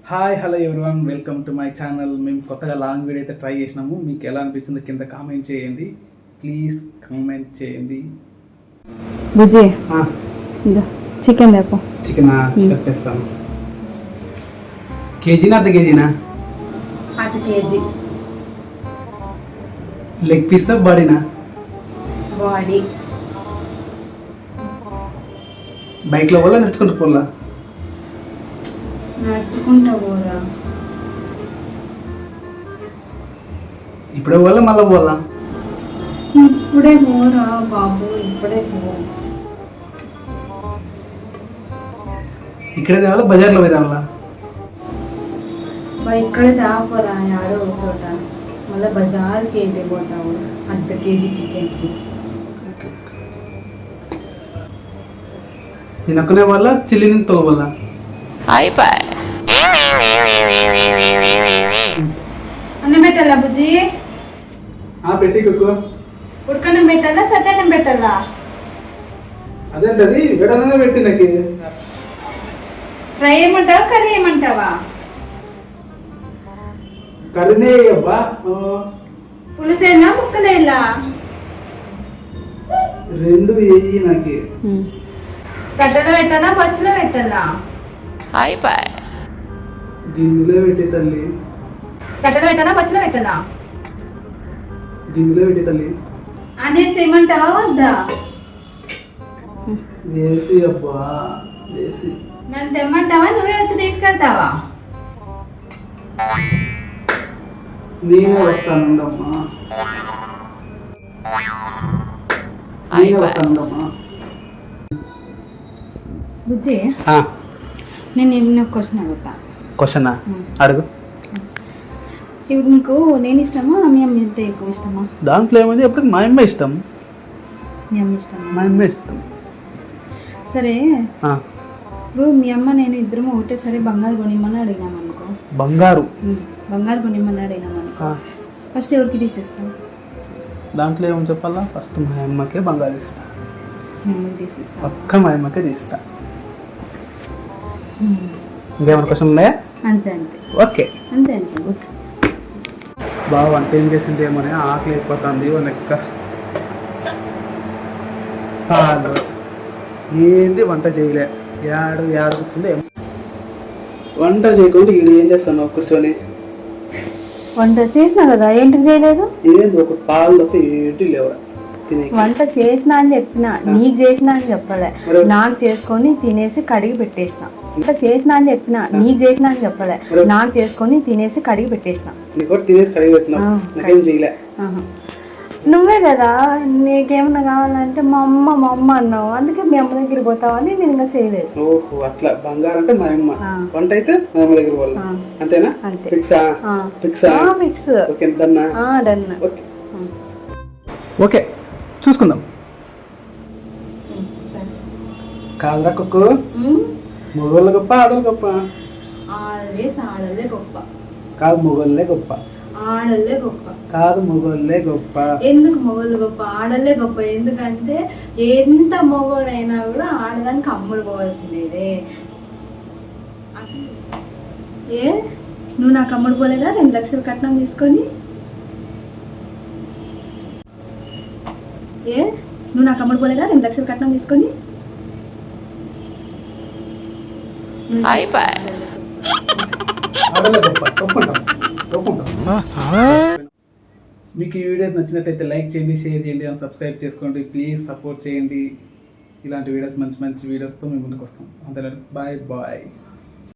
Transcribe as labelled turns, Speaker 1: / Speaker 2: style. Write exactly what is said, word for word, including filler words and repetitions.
Speaker 1: Hi hello everyone, welcome to my channel. మేము కొత్తగా long video అయితే ట్రై చేసినాము. మీకు ఎలా అనిపించిందో కింద కామెంట్ చేయండి, ప్లీజ్ కామెంట్ చేయండి.
Speaker 2: విజయ్ చికెన్ తెపో.
Speaker 1: చికెన్ తెస్తాను. కేజీనా అర్ధ కేజీనా?
Speaker 2: అర్ధ కేజీ.
Speaker 1: లెగ్ పీస్ బాడీనా?
Speaker 2: బాడీ.
Speaker 1: బైక్లో పోలా నడుచుకుంటూ పోలా?
Speaker 2: నడుచుకుంటా పోరా.
Speaker 1: ఇప్పుడే పోలా మళ్ళీ పోలా?
Speaker 2: ఇప్పుడే పోరా బాబు, ఇప్పుడే పో.
Speaker 1: ఇక్కడే తేవాలా బజార్లో పోయి తేవాలా?
Speaker 2: ఇక్కడే తాపోరా, ఆడో చోట. మళ్ళీ బజార్కి ఏంటి పోతావు? అర్ధ కేజీ చికెన్కి.
Speaker 1: నేను ఒక్కనే వల్ల చిల్లిని తోల
Speaker 2: అయిపోయి అన్నం పెట్టాలా బుజ్జి?
Speaker 1: పెట్టి కుక్కు.
Speaker 2: ఉడకన్నం పెట్టాలా సత్తన్నం పెట్టాలా?
Speaker 1: అదేంటది విడననే పెట్టి నాకు.
Speaker 2: Fry ఏమంటావా curry ఏమంటావా?
Speaker 1: కర్రీనే అబ్బా.
Speaker 2: పులుసేనా ముక్కలేలా?
Speaker 1: రెండు వేయి నాకు.
Speaker 2: గడ్డలో పెట్టాలా పచ్చిలో పెట్టాలా?
Speaker 1: అయిపోయి గిన్నెలో పెట్టి తల్లి.
Speaker 2: గడ్డలో పెట్టాలా పచ్చిలో పెట్టాలా?
Speaker 1: గిన్నెలో పెట్టి తల్లి.
Speaker 2: అనేది చేయమంటావా వద్దా?
Speaker 1: వేసి అబ్బా వేసి.
Speaker 2: నన్ను తెమ్మంటావా నువ్వే వచ్చి తీసుకెళ్తావా?
Speaker 1: నేనే వస్తానుండమ్మా, నేనే వస్తానుండమ్మా.
Speaker 2: బుద్ధి, నేను నిన్న క్వశ్చన్ అడుగుతా.
Speaker 1: క్వశ్చనా? అడుగు.
Speaker 2: ఇప్పుడు నీకు నేను ఇష్టమా మీ అమ్మ అంటే ఎక్కువ ఇష్టమా?
Speaker 1: దాంట్లో ఏమైంది, ఎప్పుడు మా అమ్మ ఇష్టం.
Speaker 2: మీ అమ్మ ఇష్టమా?
Speaker 1: మా అమ్మ ఇష్టం.
Speaker 2: సరే, ఇప్పుడు మీ అమ్మ నేను ఇద్దరం ఒకటేసారి బంగారు కొనిమ్మని అడిగినాం అనుకో.
Speaker 1: బంగారు
Speaker 2: బంగారు కొనిమ్మని అడిగినాం అనుకో, ఫస్ట్ ఎవరికి తీసేస్తాం?
Speaker 1: దాంట్లో ఏమని చెప్పాలా? ఫస్ట్ మా అమ్మకే బంగారు ఇస్తా.
Speaker 2: మీ అమ్మకి తీసేస్తా.
Speaker 1: పక్క మా అమ్మకే తీస్తా. ఇంకేమైనా క్వశ్చన్ ఉన్నాయా?
Speaker 2: అంతే అంతే.
Speaker 1: ఓకే
Speaker 2: అంతే అంతే. ఓకే.
Speaker 1: బాగా వంట ఏం చేసింది ఏమని ఆకలి అయిపోతుంది. లెక్క కాదు ఏంది వంట చేయలే. ఏడు ఏడు కూర్చుంది వంట చేయకుండా ఈడు ఏం చేస్తాను కూర్చొని.
Speaker 2: వంట చేసినా కదా, ఏంటికి చేయలేదు?
Speaker 1: ఏంది ఒక పాలు తప్ప ఏంటి లేవరా తినే.
Speaker 2: వంట చేసినా అని చెప్పిన, నీకు చేసినా అని చెప్పలే. నాకు చేసుకొని తినేసి కడిగి పెట్టేసిన. వంట చేసినా అని చెప్పిన, నీకు చేసినా అని చెప్పలే. నాకు చేసుకొని తినేసి కడిగి పెట్టేసిన.
Speaker 1: తినేసి కడిగి పెట్టినా, నాకేం చేయలే.
Speaker 2: నువ్వే కదా నీకేమన్నా కావాలంటే మా అమ్మ మా అమ్మ అన్నావు, అందుకే మీ అమ్మ దగ్గర పోతావని నేను ఇంకా చేయలేదు.
Speaker 1: ఓహో అట్లా. బంగారం అంటే మా అమ్మ, వంట అయితే మా అమ్మ దగ్గర పోవాలి. అంతేనా?
Speaker 2: అంతే.
Speaker 1: ఫిక్సా? ఫిక్సా?
Speaker 2: ఫిక్స్.
Speaker 1: ఓకే డన్నా?
Speaker 2: డన్.
Speaker 1: ఓకే ఓకే చూసుకుందాం. కాదురా కుక్కు, మొగోళ్ళ గొప్ప ఆడోళ్ళు గొప్ప?
Speaker 2: ఆల్వేస్ ఆడోళ్ళే గొప్ప.
Speaker 1: కాదు మొగోళ్ళే గొప్ప.
Speaker 2: ఆడోళ్ళే గొప్ప.
Speaker 1: కాదు మొగోళ్ళే గొప్ప.
Speaker 2: ఎందుకు మొగోళ్ళు గొప్ప? ఆడోళ్ళే గొప్ప. ఎందుకంటే ఎంత మొగోడైనా కూడా ఆడదానికి అమ్ముడు పోవాల్సిందే. ఏ నువ్వు నాకు అమ్ముడు పోలేదా రెండు లక్షలు కట్నం తీసుకొని? ఏ నువ్వు నాకు అమ్ముడు పోలేదా రెండు లక్షలు కట్నం తీసుకొని?
Speaker 1: మీకు ఈ వీడియో నచ్చినట్లయితే లైక్ చేయండి, షేర్ చేయండి, అండ్ సబ్స్క్రైబ్ చేసుకోండి. ప్లీజ్ సపోర్ట్ చేయండి. ఇలాంటి వీడియోస్ మంచి మంచి వీడియోస్తో మేము ముందుకు వస్తాం. అంతే. Bye bye.